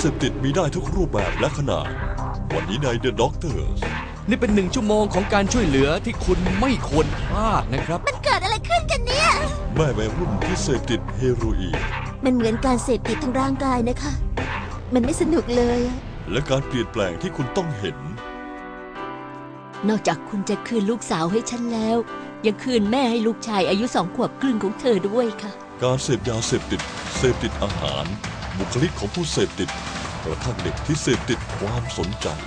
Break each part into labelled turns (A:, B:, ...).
A: พติดมีได้ทุกรูปแบบและขนาดวันนี้ใน The Doctors
B: นี่เป็น1 ชั่วโมงของการช่วยเหลือที่คุณไม่ควรพลาดนะครับ
C: มันเกิดอะไรขึ้นกันเนี่ย
A: แม่วัยรุ่นที่เสพติดเฮโรอีน
C: มันเหมือนการเสพติดทางร่างกายนะคะมันไม่สนุกเลย
A: และการเปลี่ยนแปลงที่คุณต้องเห็น
D: นอกจากคุณจะคืนลูกสาวให้ฉันแล้วยังคืนแม่ให้ลูกชายอายุ2 ขวบครึ่งของเธอด้วยค่ะ
A: การเสพยาเสพติดอาหารบุคลิกของผู้เสพติดกระทั่งเด็กที่เสพติดความสนใจ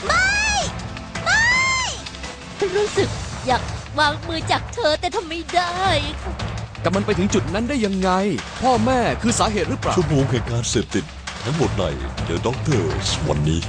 D: ฉันรู้สึกอยากวางมือจากเธอแต่ทำไม่ได้
B: แต่มันไปถึงจุดนั้นได้ยังไงพ่อแม่คือสาเหตุหรือเปล่า
A: ชั่วโมงแห่งการเสพติดทั้งหมดใน The Doctors วันนี้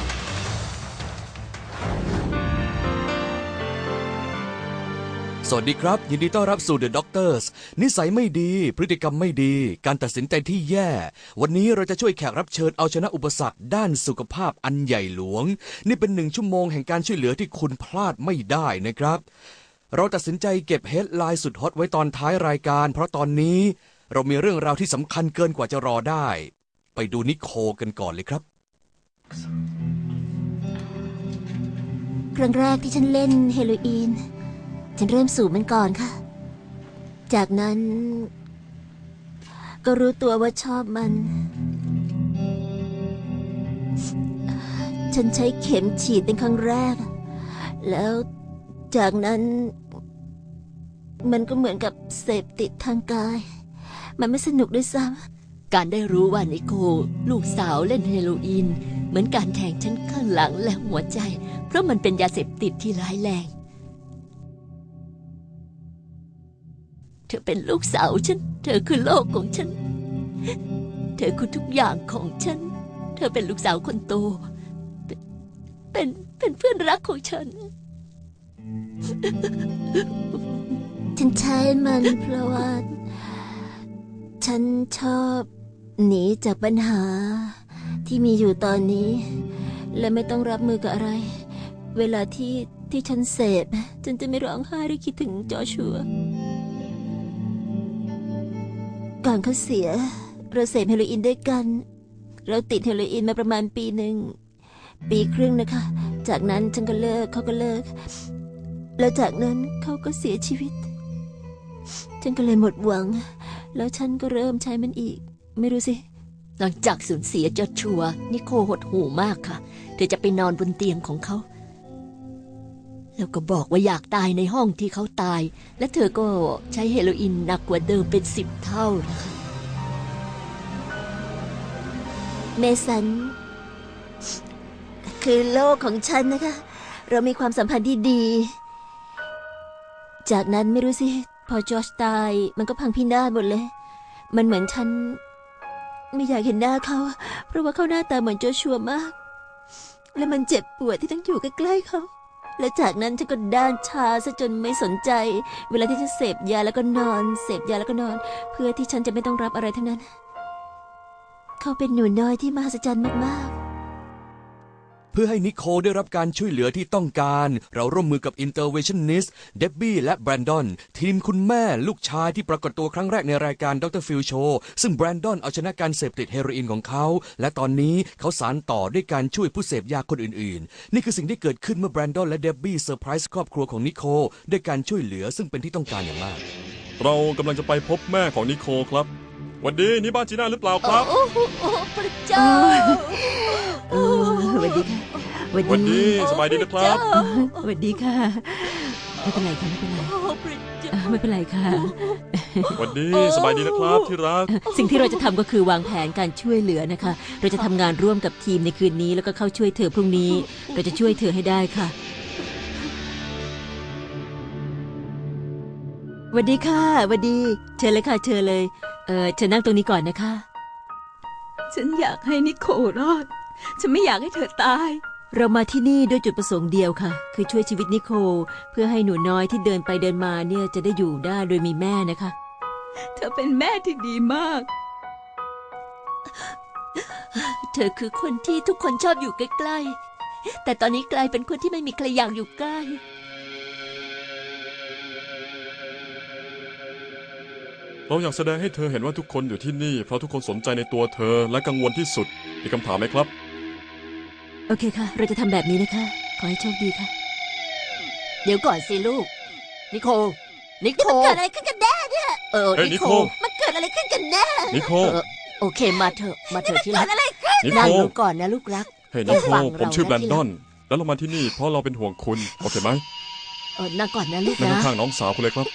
B: สวัสดีครับยินดีต้อนรับสู่ The Doctors นิสัยไม่ดีพฤติกรรมไม่ดีการตัดสินใจที่แย่วันนี้เราจะช่วยแขกรับเชิญเอาชนะอุปสรรคด้านสุขภาพอันใหญ่หลวงนี่เป็น1 ชั่วโมงแห่งการช่วยเหลือที่คุณพลาดไม่ได้นะครับเราตัดสินใจเก็บเฮดไลน์สุดฮอตไว้ตอนท้ายรายการเพราะตอนนี้เรามีเรื่องราวที่สำคัญเกินกว่าจะรอได้ไปดูนิโคลกันก่อนเลยครับ
C: ครั้งแรกที่ฉันเล่นเฮโรอีนฉันเริ่มสูบมันก่อนค่ะจากนั้นก็รู้ตัวว่าชอบมันฉันใช้เข็มฉีดเป็นครั้งแรกแล้วจากนั้นมันก็เหมือนกับเสพติดทางกายมันไม่สนุกด้วยซ้
D: ำการได้รู้ว่านิโคลลูกสาวเล่นเฮโรอีนเหมือนการแทงฉันข้างหลังและหัวใจเพราะมันเป็นยาเสพติดที่ร้ายแรงเธอเป็นลูกสาวฉันเธอคือโลกของฉันเธอคือทุกอย่างของฉันเธอเป็นลูกสาวคนโตเป็นเพื่อนรักของฉัน
C: ฉันใช้มันเพราะว่าฉันชอบหนีจากปัญหาที่มีอยู่ตอนนี้และไม่ต้องรับมือกับอะไรเวลาที่ฉันเสพฉันจะไม่ร้องไห้หรือคิดถึงจอชัวก่อนเขาเสียเราเสพเฮโรอีนด้วยกันเราติดเฮโรอีนมาประมาณปีครึ่งนะคะจากนั้นฉันก็เลิกเขาก็เลิกแล้วจากนั้นเขาก็เสียชีวิตฉันก็เลยหมดหวังแล้วฉันก็เริ่มใช้มันอีกไม่รู้สิ
D: หลังจากสูญเสียจอชัวนิโคลหดหู่มากค่ะเธอจะไปนอนบนเตียงของเขาแล้วก็บอกว่าอยากตายในห้องที่เขาตายและเธอก็ใช้เฮโรอีนหนักกว่าเดิมเป็น10 เท่านะคะ
C: เมสันคือโลกของฉันนะคะเรามีความสัมพันธ์ที่ดีจากนั้นไม่รู้สิพอจอร์จตายมันก็พังพินาศหมดเลยมันเหมือนฉันไม่อยากเห็นหน้าเขาเพราะว่าเขาหน้าตาเหมือนโจชัวมากและมันเจ็บปวดที่ต้องอยู่ใกล้ๆเขาและจากนั้นฉันก็ด้านชาซะจนไม่สนใจเวลาที่ฉันเสพยาแล้วก็นอนเสพยาแล้วก็นอนเพื่อที่ฉันจะไม่ต้องรับอะไรทั้งนั้นเขาเป็นหนูน้อยที่มหัศจรรย์มากๆ
B: เพื่อให้นิโคลได้รับการช่วยเหลือที่ต้องการเราร่วมมือกับ Interventionist เดบบี้และแบรนดอนทีมคุณแม่ลูกชายที่ปรากฏตัวครั้งแรกในรายการดรฟิลโชว์ซึ่งแบรนดอนเอาชนะการเสพติดเฮโรอีนของเขาและตอนนี้เขาสานต่อด้วยการช่วยผู้เสพยาคนอื่นๆนี่คือสิ่งที่เกิดขึ้นเมื่อแบรนดอนและเดบบี้เซอร์ไพรส์ครอบครัวของนิโคลด้วยการช่วยเหลือซึ่งเป็นที่ต้องการอย่างมาก
E: เรากำลังจะไปพบแม่ของนิโคลครับวันนี้นี่บ้านจีน่าหรือเปล่าครับ
D: โอ้พระเจ้า
C: สวัสดีค่ะ
E: วันนี้สบายดีนะครับ
C: สวัสดีค่ะไม่เป็นไรค่ะไม่เป็นไรไม่เป็นไรค่ะ
E: วันนี้สบายดีนะครับที่รัก
C: สิ่งที่เราจะทำก็คือวางแผนการช่วยเหลือนะคะเราจะทำงานร่วมกับทีมในคืนนี้แล้วก็เข้าช่วยเธอพรุ่งนี้เราจะช่วยเธอให้ได้ค่ะสวัสดีค่ะสวัสดีเชิญเลยค่ะเชิญเลยเชิญนั่งตรงนี้ก่อนนะคะ
F: ฉันอยากให้นิโคลรอดฉันไม่อยากให้เธอตาย
C: เรามาที่นี่ด้วยจุดประสงค์เดียวค่ะคือช่วยชีวิตนิโคลเพื่อให้หนูน้อยที่เดินไปเดินมาเนี่ยจะได้อยู่ได้โดยมีแม่นะคะ
F: เธอเป็นแม่ที่ดีมาก
D: เธอคือคนที่ทุกคนชอบอยู่ใกล้ๆแต่ตอนนี้กลายเป็นคนที่ไม่มีใครอยากอยู่ใกล้
E: เราอยากแสดงให้เธอเห็นว่าทุกคนอยู่ที่นี่เพราะทุกคนสนใจในตัวเธอและกังวลที่สุดมีคำถามไหมครับ
C: โอเคค่ะ เราจะทำแบบนี้นะคะ ขอให้โชคดีค่ะ
D: เดี๋ยวก่อนสิลูก นิโคล นิโคล
C: เกิดอะไรขึ้นกันแน่เนี่ย
D: เออ
E: เฮ้ย
D: นิ
E: นิ
D: โค
E: โค
D: ล
C: มันเกิดอะไรขึ้นกันแน่
E: นิโค
D: โอเคมาเถอะที่รั
C: เกิ
D: ก
C: ดอะไรขึ้น
E: นิโค
D: นั่งลงก่อนนะลูกรัก
E: เฮ้ย
D: ต้
E: นิ
D: อง
E: โค
D: ฟัง
E: ผมชื่อแบร
D: เรานะ
E: นดอน แล้วเรามาที่นี่เพราะเราเป็นห่วงคุณ โอเคไหม
D: นั่งก่อนนะลูก
E: นั่ง
D: นะ
E: ข้างๆน้องสาวคุณเลยครับ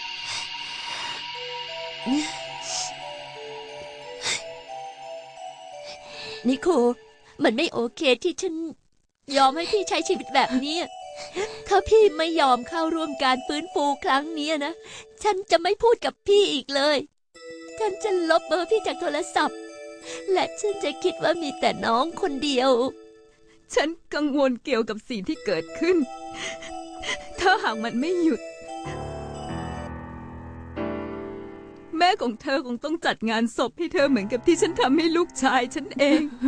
D: นิโคลมันไม่โอเคที่ฉันยอมให้พี่ใช้ชีวิตแบบนี้ ถ้าพี่ไม่ยอมเข้าร่วมการฟื้นฟูครั้งนี้นะ ฉันจะไม่พูดกับพี่อีกเลย ฉันจะลบเบอร์พี่จากโทรศัพท์ และฉันจะคิดว่ามีแต่น้องคนเดียว
F: ฉันกังวลเกี่ยวกับสิ่งที่เกิดขึ้น ถ้าหากมันไม่หยุด แม่ของเธอคงต้องจัดงานศพให้เธอเหมือนกับที่ฉันทำให้ลูกชายฉันเอง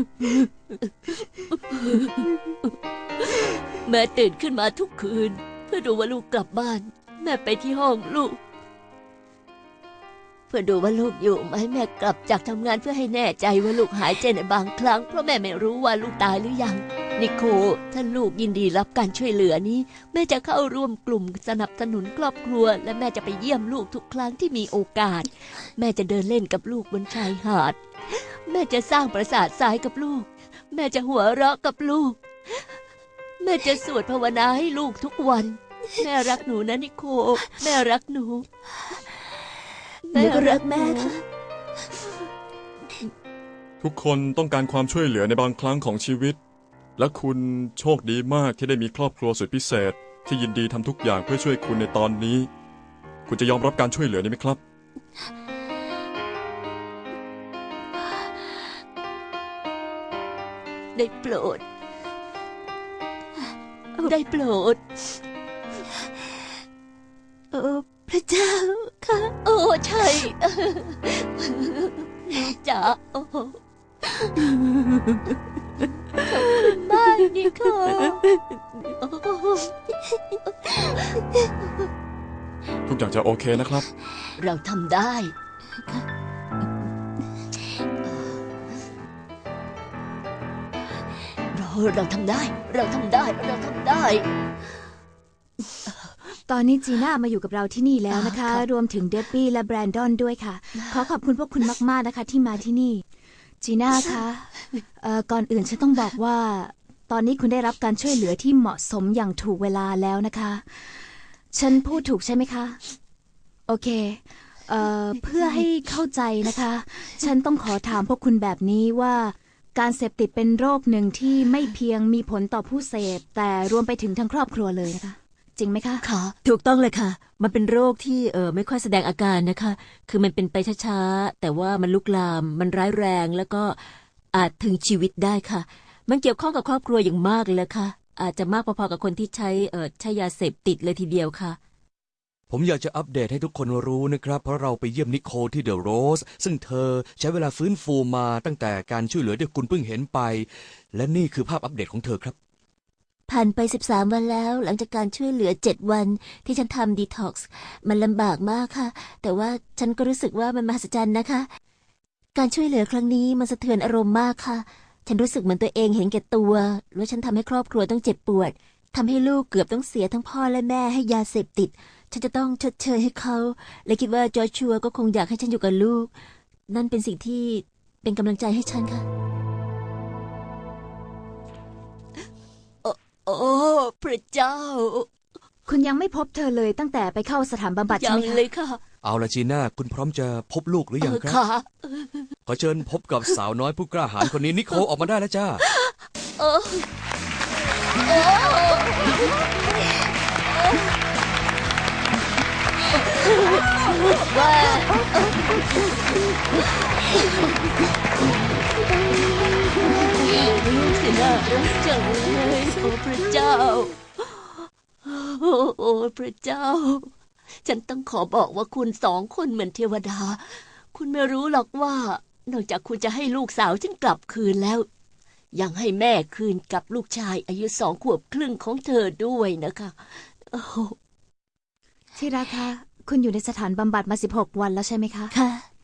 D: แม่ตื่นขึ้นมาทุกคืน เพื่อดูว่าลูกกลับบ้าน แม่ไปที่ห้องลูก เพื่อดูว่าลูกอยู่ไหมแม่กลับจากทำงานเพื่อให้แน่ใจว่าลูกหายใจในบางครั้งเพราะแม่ไม่รู้ว่าลูกตายหรือยังนิโคลถ้าลูกยินดีรับการช่วยเหลือนี้ แม่จะเข้าร่วมกลุ่มสนับสนุนครอบครัว และแม่จะไปเยี่ยมลูกทุกครั้งที่มีโอกาส แม่จะเดินเล่นกับลูกบนชายหาด แม่จะสร้างปราสาททรายกับลูก แม่จะหัวเราะกับลูก แม่จะสวดภาวนาให้ลูกทุกวัน แม่รักหนูนะนิโคลแม่รักหนู
C: หนูก็รักแม่ค่ะ
E: ทุกคนต้องการความช่วยเหลือในบางครั้งของชีวิต และคุณโชคดีมากที่ได้มีครอบครัวสุดพิเศษ ที่ยินดีทำทุกอย่างเพื่อช่วยคุณในตอนนี้ คุณจะยอมรับการช่วยเหลือนี้ไหมครับ
D: ได้โปรด ได้โปรด
C: พระเจ้าค่ะ
D: โอ้ใช่ลูกจ๋าโอ้ขอบคุณมากนิโคล
E: ทุกอย่างจะโอเคนะครับ
D: เราทำได้ เราทำได้ เราทำได้ เราทำได้
G: ตอนนี้จีน่ามาอยู่กับเราที่นี่แล้วนะคะ
D: ค่ะ
G: รวมถึงเดบบี้และแบรนดอนด้วยค่ะ ขอขอบคุณพวกคุณมากๆนะคะที่มาที่นี่ จีน่าคะก่อนอื่นฉันต้องบอกว่า ตอนนี้คุณได้รับการช่วยเหลือที่เหมาะสมอย่างถูกเวลาแล้วนะคะ ฉันพูดถูกใช่ไหมคะ โอเคเพื่อให้เข้าใจนะคะ ฉันต้องขอถามพวกคุณแบบนี้ว่า การเสพติดเป็นโรคหนึ่งที่ไม่เพียงมีผลต่อผู้เสพแต่รวมไปถึงทั้งครอบครัวเลยนะคะ จริงไหมคะ
D: ค่ะ
C: ถูกต้องเลยค่ะ มันเป็นโรคที่ไม่ค่อยแสดงอาการนะคะ คือมันเป็นไปช้าๆ แต่ว่ามันลุกลาม มันร้ายแรงแล้วก็อาจถึงชีวิตได้ค่ะ มันเกี่ยวข้องกับครอบครัวอย่างมากเลยค่ะ อาจจะมากพอๆกับคนที่ใช้ยาเสพติดเลยทีเดียวค่ะ
B: ผมอยากจะอัปเดตให้ทุกคนรู้นะครับ เพราะเราไปเยี่ยมนิโคลที่เดอะโรสซึ่งเธอใช้เวลาฟื้นฟูมาตั้งแต่การช่วยเหลือที่คุณเพิ่งเห็นไป และนี่คือภาพอัปเดตของเธอครับ
C: ผ่านไป13 วันแล้ว หลังจากการช่วยเหลือ7 วันที่ฉันทำดีท็อกซ์มันลำบากมากค่ะ แต่ว่าฉันก็รู้สึกว่ามันมหัศจรรย์นะคะ การช่วยเหลือครั้งนี้มันสะเทือนอารมณ์มากค่ะ ฉันรู้สึกเหมือนตัวเองเห็นแก่ตัวแล้วฉันทำให้ครอบครัวต้องเจ็บปวดทำให้ลูกเกือบต้องเสียทั้งพ่อและแม่ให้ยาเสพติดฉันจะต้องชดเชยให้เขาและคิดว่าจอร์ชัวก็คงอยากให้ฉันอยู่กับลูกนั่นเป็นสิ่งที่เป็นกำลังใจให้ฉันค่ะ
D: โอ้พระเจ้า
G: คุณยังไม่พบเธอเลยตั้งแต่ไปเข้าสถานบำบัดใช่
D: ยัง
G: ไหมคะ
D: เลยค่ะ
B: เอาละจีน่าคุณพร้อมจะพบลูกหรือยังครับ
D: ค่ะ
B: ขอเชิญพบกับสาวน้อยผู้กล้าหาญคนนี้นิโคลออกมาได้แล้วจ้า
D: เออว่าสินะรักจังเลยโอ้พระเจ้า โอ้พระเจ้า ฉันต้องขอบอกว่าคุณ2 คนเหมือนเทวดา คุณไม่รู้หรอกว่านอกจากคุณจะให้ลูกสาวฉันกลับคืนแล้ว ยังให้แม่คืนกับลูกชายอายุ2 ขวบครึ่งของเธอด้วยนะคะโอ้
G: ที่รักคะคุณอยู่ในสถานบำบัดมา16 วันแล้วใช่ไหมคะ
C: ค่ะ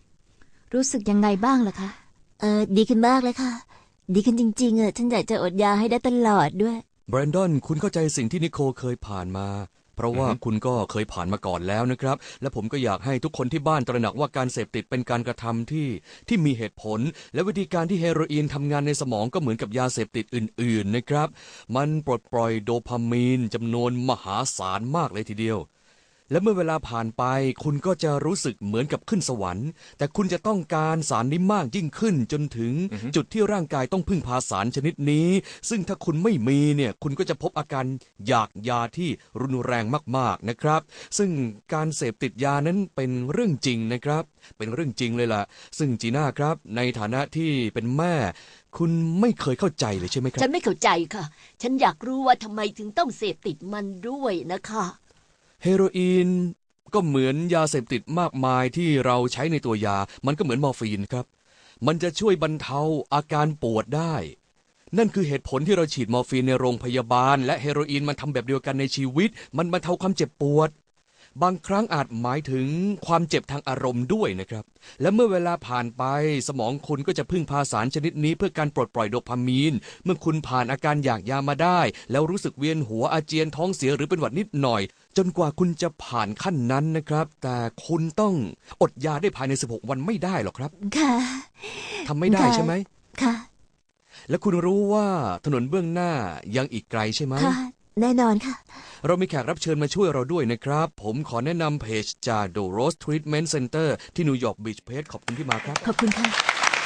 G: รู้สึกยังไงบ้างล่ะคะ
C: ดีขึ้นมากเลยค่ะ ดีขึ้นจริงๆฉันอยากจะอดยาให้ได้ตลอดด้วย
B: แบรนดอนคุณเข้าใจสิ่งที่นิโคลเคยผ่านมา เพราะว่าคุณก็เคยผ่านมาก่อนแล้วนะครับ และผมก็อยากให้ทุกคนที่บ้านตระหนักว่าการเสพติดเป็นการกระทำที่มีเหตุผล และวิธีการที่เฮโรอีนทำงานในสมองก็เหมือนกับยาเสพติดอื่นๆนะครับ มันปลดปล่อยโดพามีนจำนวนมหาศาลมากเลยทีเดียว และเมื่อเวลาผ่านไปคุณก็จะรู้สึกเหมือนกับขึ้นสวรรค์แต่คุณจะต้องการสารนี้มากยิ่งขึ้นจนถึงจุดที่ร่างกายต้องพึ่งพาสารชนิดนี้ซึ่งถ้าคุณไม่มีเนี่ยคุณก็จะพบอาการอยากยาที่รุนแรงมากๆนะครับซึ่งการเสพติดยานั้นเป็นเรื่องจริงนะครับเป็นเรื่องจริงเลยล่ะซึ่งจีน่าครับในฐานะที่เป็นแม่คุณไม่เคยเข้าใจเลยใช่ไหมครับ
D: ฉันไม่เข้าใจค่ะ ฉันอยากรู้ว่าทำไมถึงต้องเสพติดมันด้วยนะคะ
B: เฮโรอีนก็เหมือนยาเสพติดมากมายที่เราใช้ในตัวยามันก็เหมือนมอร์ฟีนครับมันจะช่วยบรรเทาอาการปวดได้นั่นคือเหตุผลที่เราฉีดมอร์ฟีนในโรงพยาบาลและเฮโรอีนมันทำแบบเดียวกันในชีวิตมันบรรเทาความเจ็บปวดบางครั้งอาจหมายถึงความเจ็บทางอารมณ์ด้วยนะครับและเมื่อเวลาผ่านไปสมองคุณก็จะพึ่งพาสารชนิดนี้เพื่อการปลดปล่อยโดพามีนเมื่อคุณผ่านอาการอยากยามาได้แล้วรู้สึกเวียนหัวอาเจียนท้องเสียหรือเป็นหวัดนิดหน่อยจนกว่าคุณจะผ่านขั้นนั้นนะครับแต่คุณต้องอดยาได้ภายใน16วันไม่ได้หรอกครับ
C: ค่ะ
B: ทำไม่ได้ใช่ไหม
C: ค่ะ
B: และคุณรู้ว่าถนนเบื้องหน้ายังอีกไกลใช่ไหม
C: ค่ะแน่นอนค่ะ
B: เรามีแขกรับเชิญมาช่วยเราด้วยนะครับผมขอแนะนำเพจจาก The Rose Treatment Center ที่นิวยอร์กบีชเพจขอบคุณที่มาครับ
C: ขอบคุณค่ะ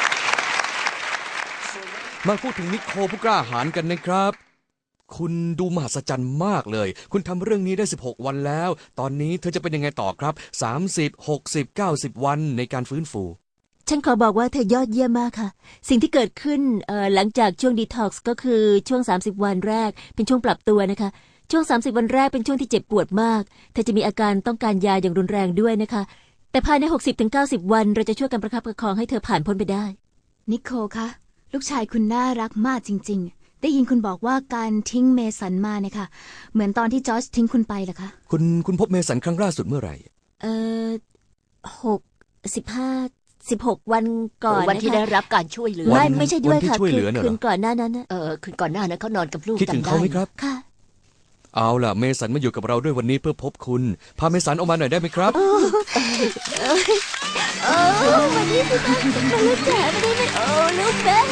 B: มาพูดถึงนิโคลผู้กล้าหาญกันนะครับคุณดูมหัศจรรย์มากเลยคุณทำเรื่องนี้ได้16วันแล้วตอนนี้เธอจะเป็นยังไงต่อครับ30 60 90วันในการฟื้นฟู
C: ฉันขอบอกว่าเธอยอดเยี่ยมมากค่ะสิ่งที่เกิดขึ้นหลังจากช่วงดีท็อกซ์ก็คือช่วง30วันแรกเป็นช่วงปรับตัวนะคะช่วง30วันแรกเป็นช่วงที่เจ็บปวดมากเธอจะมีอาการต้องการยาอย่างรุนแรงด้วยนะคะแต่ภายใน 60-90 วันเราจะช่วยกันประคับประคองให้เธอผ่านพ้นไปได้
G: นิโคลคะลูกชายคุณน่ารักมากจริงๆได้ยินคุณบอกว่าการทิ้งเมสันมาเนี่ยค่ะเหมือนตอนที่จอร์จทิ้งคุณไปเหรอคะ
B: คุณพบเมสันครั้งล่าสุดเมื่อไหร่
C: 16 วันก่อน
D: วันที่ได้รับการช่วยเหลือ
C: ไม่ใช่ด้วยค่ะคืนก่อนหน้านั้น
D: คืนก่อนหน้านั้นเขานอนกับลูก
B: คิดถึงเขาไหมครับ
C: ค่ะ
B: เอาล่ะเมสันมาอยู่กับเราด้วยวันนี้เพื่อพบคุณพาเมสันออกมาหน่อยได้ไหมครับ
C: วันนี้สิมาลูกจ๋าไม่ได้ไหมลูกแม่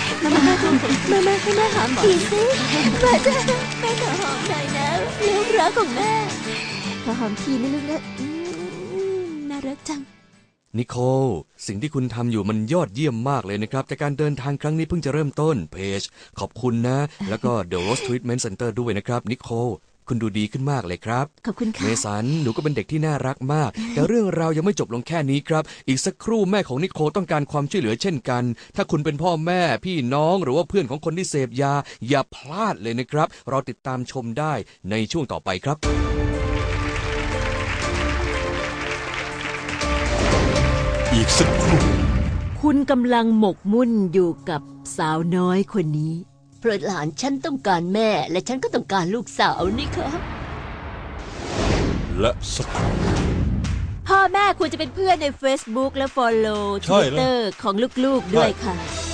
C: มาหอมทีสิมาจ้ะแม่ขอหอมหน่อยนะลูกรักของแม่ขอหอมทีนะลูกนะน่ารักจัง
B: นิโคลสิ่งที่คุณทำอยู่มันยอดเยี่ยมมากเลยนะครับแต่การเดินทางครั้งนี้เพิ่งจะเริ่มต้นเพจขอบคุณนะแล้วก็ The Rose Treatment Center ด้วยนะครับนิโคลคุณดูดีขึ้นมากเลยครับ
C: ขอบคุณค่ะ
B: เมสันหนูก็เป็นเด็กที่น่ารักมากแต่เรื่องราวยังไม่จบลงแค่นี้ครับอีกสักครู่แม่ของนิโคลต้องการความช่วยเหลือเช่นกันถ้าคุณเป็นพ่อแม่พี่น้องหรือว่าเพื่อนของคนที่เสพยาอย่าพลาดเลยนะครับเราติดตามชมได้ในช่วงต่อไปครับ
A: อีกสักครู่
C: คุณกำลังหมกมุ่นอยู่กับสาวน้อยคนนี้
D: เพราะหลานฉันต้องการแม่และฉันก็ต้องการลูกสาวนี่ครับ
A: และสักครู่
C: พ่อแม่ควรจะเป็นเพื่อนใน Facebook และ Follow Twitter ของลูกๆด้วยค่ะ